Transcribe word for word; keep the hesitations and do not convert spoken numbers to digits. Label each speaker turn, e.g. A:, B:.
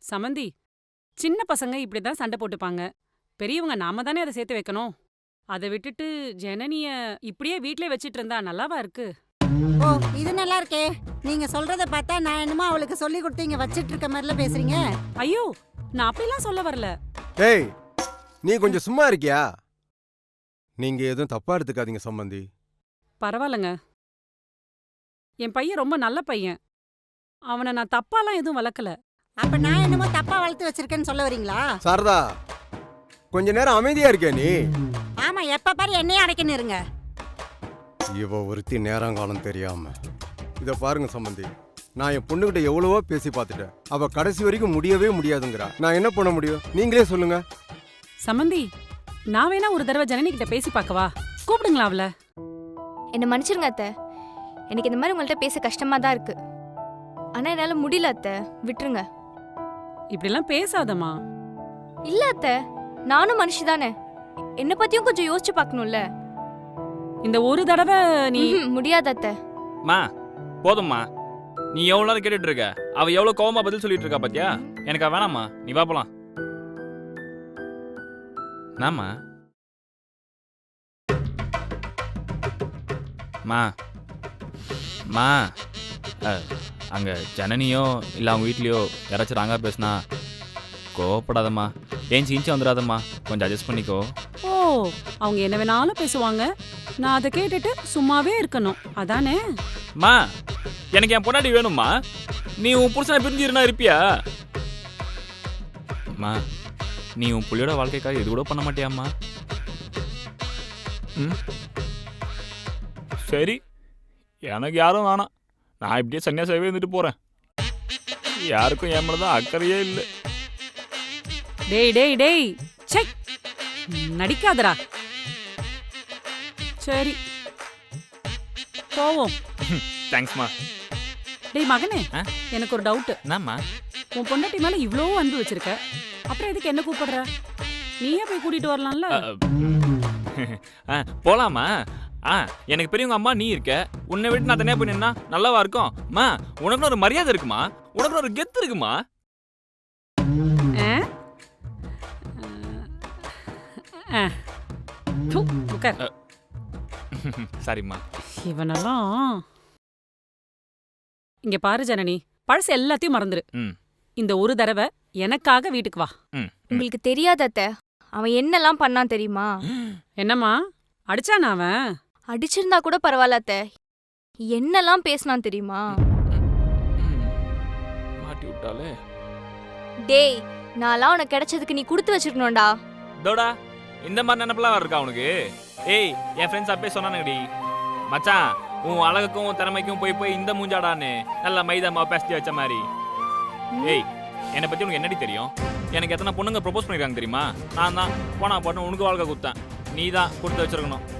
A: சமந்தி, சின்ன பசங்க இப்படிதான் சண்டை போட்டுப்பாங்க. பெரியவங்க நாம தானே அதை சேர்த்து வைக்கணும். அதை விட்டுட்டு ஜனனிய இப்படியே வீட்லயே வச்சிட்டு இருந்தா நல்லாவா இருக்கு?
B: ஓ, இது நல்லா இருக்கே. நீங்க சொல்றத பார்த்தா நான் என்னமோ அவளுக்கு சொல்லி கொடுத்து இங்க வச்சிட்டு இருக்க மாதிரில பேசுறீங்க.
A: ஐயோ, நான் அப்படிலாம் சொல்ல வரல.
C: டேய், நீ கொஞ்சம் சும்மா இருக்கியா? நீங்க எதுவும் தப்பா எடுத்துக்காதீங்க சம்பந்தி.
A: பரவாயில்லங்க. என் பையன் ரொம்ப நல்ல பையன். அவனை நான் தப்பாலாம் எதுவும் வளர்க்கல.
B: அப்ப நான் என்னமோ தப்பா வளர்த்து வச்சிருக்கேன்னு சொல்ல வரீங்களா?
C: சாரதா, கொஞ்ச நேரம் அமைதியா இருக்கியா நீ?
B: ஆமா, எப்ப பாரு என்னையே அடைக்கணும் இருங்க.
C: இவ ஒருத்தி நேரங்காலம் தெரியாம. இத பாருங்க சம்பந்தி, நான் என் பொண்ணுகிட்ட எவ்வளவோ பேசி பார்த்துட்டேன். அவ கடைசி வரைக்கும் முடியவே முடியாதுங்கிறா. நான் என்ன பண்ண முடியும்? நீங்களே சொல்லுங்க.
A: சமந்தி, நான் வேணா ஒரு தடவை ஜனனி கிட்ட பேசி பார்க்கவா? கூப்பிடுங்களா அவள?
D: என்ன மன்னிச்சிருங்க அத்தை. எனக்கு இந்த மாதிரி உங்கள்கிட்ட பேச கஷ்டமா தான் இருக்கு. ஆனா என்னால முடியல அத்தை, விட்டுருங்க.
A: இப்படிலாம் பேசாதம்மா.
D: இல்ல அத்தை, நானும் மனுஷி தானே. என்ன பத்தியும் கொஞ்சம் யோசிச்சு பார்க்கணும்ல.
A: இந்த ஒரு தடவை நீ
D: ம்ஹும், முடியாது அத்தை.
E: மா போதும்மா, நீ எவ்வளோ நேரம் கேட்டுட்டு இருக்க? அவ எவ்வளோ கோவமா பதில் சொல்லிட்டு இருக்கா பாத்தியா? எனக்கு அவ வேணாம்மா, நீ வா போலாம். நாமா மா மா அங்கே ஜனனியோ இல்லை அவங்க வீட்லேயோ யாராச்சும் ராங்கா பேசுனா கோவப்படாதம்மா. ஏஞ்சி இன்ச்சு வந்துடாதம்மா, கொஞ்சம் அட்ஜஸ்ட் பண்ணிக்கோ.
A: ஓ, அவங்க என்ன வேணாலும் பேசுவாங்க, நான் அதை கேட்டுட்டு சும்மாவே இருக்கணும், அதானே?
E: மா, எனக்கு என் பொண்டாட்டி வேணும்மா. நீ உன் புருஷனை பிரிஞ்சிருந்தா இருப்பியா? மா, நீ உன் புள்ளியோட வாழ்க்கைக்காக இது கூட பண்ண மாட்டியாம்மா? ம், சரி, எனக்கு யாரும் வேணாம். நான் இப்படியே சன்னியாசாவே இருந்துட்டு போறேன். யாருக்கும் என் மேலதான் அக்கறையே இல்லை.
A: டேய் டேய் டேய், சே, நடிக்காதடா. சரி, போவோம்.
E: தேங்க்ஸ்மா.
A: டேய் மகனே,
E: ஆ?
A: எனக்கு ஒரு டவுட்.
E: என்னம்மா?
A: உன் பொண்டாட்டி மேல இவ்ளோ அன்பு வச்சிருக்க, அப்புறம் எதுக்கு என்ன கூப்பிடுற? நீயே போய் கூட்டிட்டு வரலாம்ல.
E: ஆ, போலாமா? ஆ, எனக்கு பெரியவங்க அம்மா நீ இருக்க. உன்னை விட்டு நான் தனியா போய் நின்னா நல்லாவா இருக்கும்? மா, உனக்குன்னு ஒரு மரியாதை இருக்குமா? உனக்குன்னு ஒரு கெத்து இருக்குமா?
A: ஆ? ஆ. து, உட்கார்.
E: சரிம்மா.
A: இவனெல்லாம். இங்க பாரு ஜனனி, பழசு எல்லாத்தையும் மறந்துரு.
E: ம்.
A: இந்த ஒரு தடவை எனக்காக வீட்டுக்கு வா.
E: ம்.
D: உங்களுக்கு தெரியாத அத்தை, அவன் என்னெல்லாம் பண்ணான் தெரியுமா?
A: என்னம்மா, அடிச்சானா அவன்?
D: அடிச்சிருந்தா கூட பரவாயில்ல அத்தை, என்னெல்லாம் பேசினான் தெரியுமா?
E: மாட்டி விட்டாலே.
D: டேய், நான்லாம் உனக்கு கிடைச்சதுக்கு நீ கொடுத்து வச்சிருக்கணும்டா.
E: தோடா, இந்த மாதிரி நினைப்பெல்லாம் இருக்கா உனக்கு? ஏய், என் ஃப்ரெண்ட்ஸ் அப்பே சொன்னானுங்கடி, மச்சான் உன் அழகுக்கும் உன் திறமைக்கும் போய் போய் இந்த மூஞ்சாடான்னு நல்லா மைதா மாவு பேசி வச்ச மாதிரி. ஏய், என்னை பத்தி உனக்கு என்னடி தெரியும்? எனக்கு எத்தனை பொண்ணுங்க ப்ரொபோஸ் பண்ணிருக்காங்க தெரியுமா? நான் தான் போனா போட்டு உனக்கு வாழ்க்கை கொடுத்தேன். நீ தான் கொடுத்து வச்சிருக்கணும்.